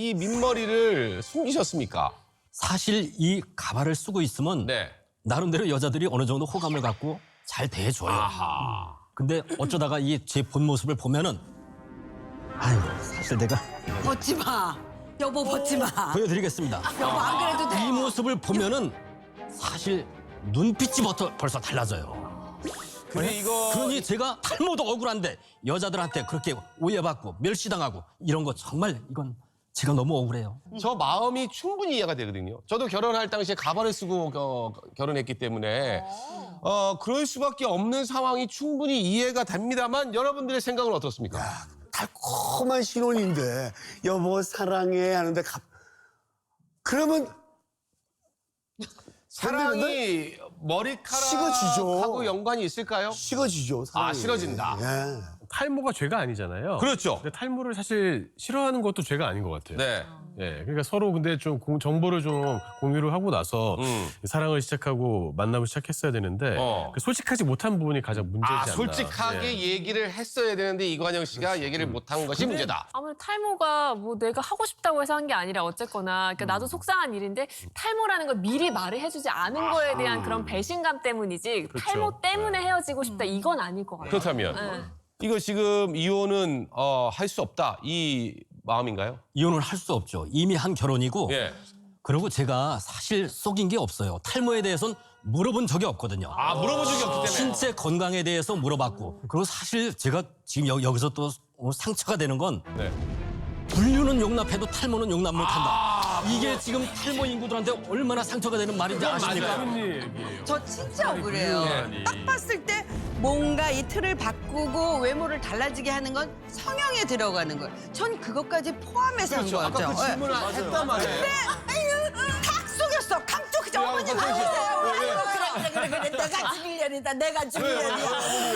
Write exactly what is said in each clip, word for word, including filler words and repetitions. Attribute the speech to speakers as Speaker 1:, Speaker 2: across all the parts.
Speaker 1: 이 민머리를 숨기셨습니까?
Speaker 2: 사실 이 가발을 쓰고 있으면
Speaker 1: 네.
Speaker 2: 나름대로 여자들이 어느 정도 호감을 갖고 잘 대해줘요.
Speaker 1: 아하.
Speaker 2: 근데 어쩌다가 이 제 본 모습을 보면은 아유 사실 내가
Speaker 3: 벗지 마. 여보 벗지 마.
Speaker 2: 보여드리겠습니다.
Speaker 3: 여보 안 그래도 돼.
Speaker 2: 이 모습을 보면은 사실 눈빛이 벌써, 벌써 달라져요.
Speaker 1: 근데 이거
Speaker 2: 그러니 제가 탈모도 억울한데 여자들한테 그렇게 오해받고 멸시당하고 이런 거 정말 이건 제가 너무 억울해요.
Speaker 1: 저 마음이 충분히 이해가 되거든요. 저도 결혼할 당시에 가발을 쓰고 어, 결혼했기 때문에 어, 그럴 수밖에 없는 상황이 충분히 이해가 됩니다만 여러분들의 생각은 어떻습니까?
Speaker 4: 달콤한 신혼인데 여보 사랑해 하는데 갑 그러면
Speaker 1: 사랑이 머리카락하고
Speaker 4: 식어지죠.
Speaker 1: 연관이 있을까요?
Speaker 4: 식어지죠. 사랑이.
Speaker 1: 아, 싫어진다.
Speaker 4: 예.
Speaker 5: 탈모가 죄가 아니잖아요.
Speaker 1: 그렇죠.
Speaker 5: 근데 탈모를 사실 싫어하는 것도 죄가 아닌 것 같아요.
Speaker 1: 네.
Speaker 5: 예, 그러니까 서로 근데 좀 공- 정보를 좀 공유를 하고 나서
Speaker 1: 음.
Speaker 5: 사랑을 시작하고 만남을 시작했어야 되는데
Speaker 1: 어.
Speaker 5: 그 솔직하지 못한 부분이 가장 문제지
Speaker 1: 아,
Speaker 5: 않나.
Speaker 1: 솔직하게
Speaker 5: 예.
Speaker 1: 얘기를 했어야 되는데 이관영 씨가 얘기를 못한 것이 문제다.
Speaker 6: 아무래도 탈모가 뭐 내가 하고 싶다고 해서 한 게 아니라 어쨌거나 그러니까 나도 속상한 일인데 탈모라는 걸 미리 말을 해주지 않은 거에 대한 그런 배신감 때문이지
Speaker 5: 그렇죠.
Speaker 6: 탈모 때문에 헤어지고 싶다 이건 아닐 것 같아요.
Speaker 1: 그렇다면
Speaker 6: 네.
Speaker 1: 이거 지금 이혼은 어, 할 수 없다 이 마음인가요?
Speaker 2: 이혼을 할 수 없죠. 이미 한 결혼이고
Speaker 1: 예.
Speaker 2: 그리고 제가 사실 속인 게 없어요. 탈모에 대해서는 물어본 적이 없거든요.
Speaker 1: 아 물어본 적이 없기 때문에.
Speaker 2: 신체 건강에 대해서 물어봤고 그리고 사실 제가 지금 여, 여기서 또 오늘 상처가 되는 건
Speaker 1: 네.
Speaker 2: 분류는 용납해도 탈모는 용납 못한다. 이게 지금 탈모 인구들한테 얼마나 상처가 되는 말인지 아십니까?
Speaker 5: 무슨 얘기예요?
Speaker 3: 저 진짜 억울해요.
Speaker 5: 불륜이라니.
Speaker 3: 딱 봤을 때 뭔가 이 틀을 바꾸고 외모를 달라지게 하는 건 성형에 들어가는 거예요. 전 그것까지 포함해서
Speaker 1: 그렇죠.
Speaker 3: 한
Speaker 1: 아까
Speaker 3: 거죠.
Speaker 1: 그 질문을 했단 말이에요.
Speaker 3: 탁 속였어. 강쪽 그저
Speaker 1: 야,
Speaker 3: 어머님
Speaker 1: 어머니.
Speaker 3: 아니세요.
Speaker 1: 왜, 왜?
Speaker 3: 아이고 그래 그래 그래 그래 내가 죽일년이다. 내가 죽일년이야.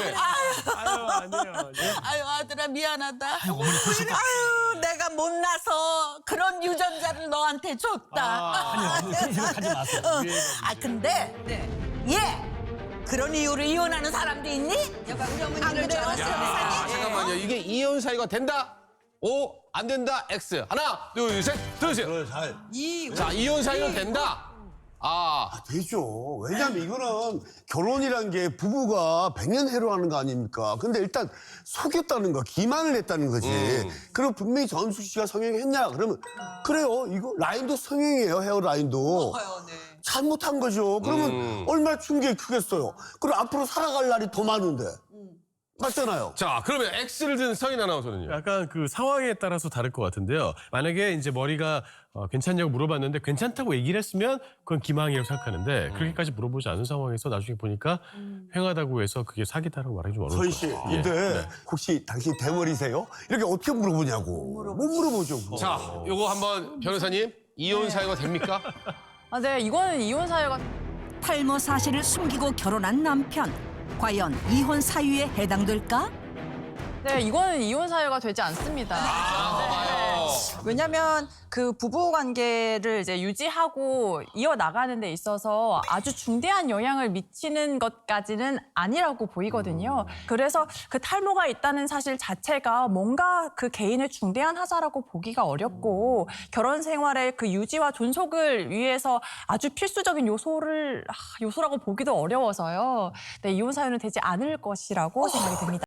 Speaker 5: 아유, 아니에요. 예.
Speaker 3: 아유 아들아 미안하다. 아유 어머니 아유 내가 못나서 그런 유전자를 너한테 줬다.
Speaker 2: 아니요, 어머니 그런 생각하지 마세요.
Speaker 3: 어. 아 근데 얘 그런 이유로 이혼하는 사람도 있니? 여봐 우리 어머니를 줄 알았어.
Speaker 1: 아, 잠깐만요. 이게 이혼 사유가 된다? O 안 된다? X. 하나, 둘, 셋. 들으세요.
Speaker 3: 이
Speaker 1: 자, 이혼 사유는 된다. 아,
Speaker 4: 되죠. 왜냐하면 이거는 결혼이란 게 부부가 백년해로 하는 거 아닙니까? 근데 일단 속였다는 거, 기만을 했다는 거지.
Speaker 1: 음.
Speaker 4: 그럼 분명히 전숙 씨가 성형했냐? 그러면 그래요. 이거 라인도 성형이에요. 헤어 라인도. 잘못한 거죠. 그러면
Speaker 1: 음.
Speaker 4: 얼마나 충격이 크겠어요. 그리고 앞으로 살아갈 날이 더 많은데. 맞잖아요.
Speaker 1: 자, 그러면 X를 든 성인 아나운서는요?
Speaker 5: 약간 그 상황에 따라서 다를 것 같은데요. 만약에 이제 머리가 어, 괜찮냐고 물어봤는데 괜찮다고 얘기를 했으면 그건 기망이라고 생각하는데 그렇게까지 물어보지 않은 상황에서 나중에 보니까 횡하다고 해서 그게 사기다라고 말하기 좀 어려울
Speaker 4: 서희
Speaker 5: 것
Speaker 4: 씨,
Speaker 5: 같아요.
Speaker 4: 근데
Speaker 5: 네.
Speaker 4: 혹시 당신 대머리세요? 이렇게 어떻게 물어보냐고. 못 물어보죠. 그거.
Speaker 1: 자, 요거 한번 변호사님, 이혼 사유가 됩니까?
Speaker 6: 아, 네, 이거는 이혼 사유가
Speaker 7: 탈모 사실을 숨기고 결혼한 남편. 과연 이혼 사유에 해당될까?
Speaker 6: 네, 이거는 이혼 사유가 되지 않습니다.
Speaker 1: 봐봐요.
Speaker 6: 왜냐면 그 부부 관계를 이제 유지하고 이어 나가는 데 있어서 아주 중대한 영향을 미치는 것까지는 아니라고 보이거든요. 그래서 그 탈모가 있다는 사실 자체가 뭔가 그 개인의 중대한 하자라고 보기가 어렵고 결혼 생활의 그 유지와 존속을 위해서 아주 필수적인 요소를 아, 요소라고 보기도 어려워서요. 네, 이혼 사유는 되지 않을 것이라고 생각이 됩니다.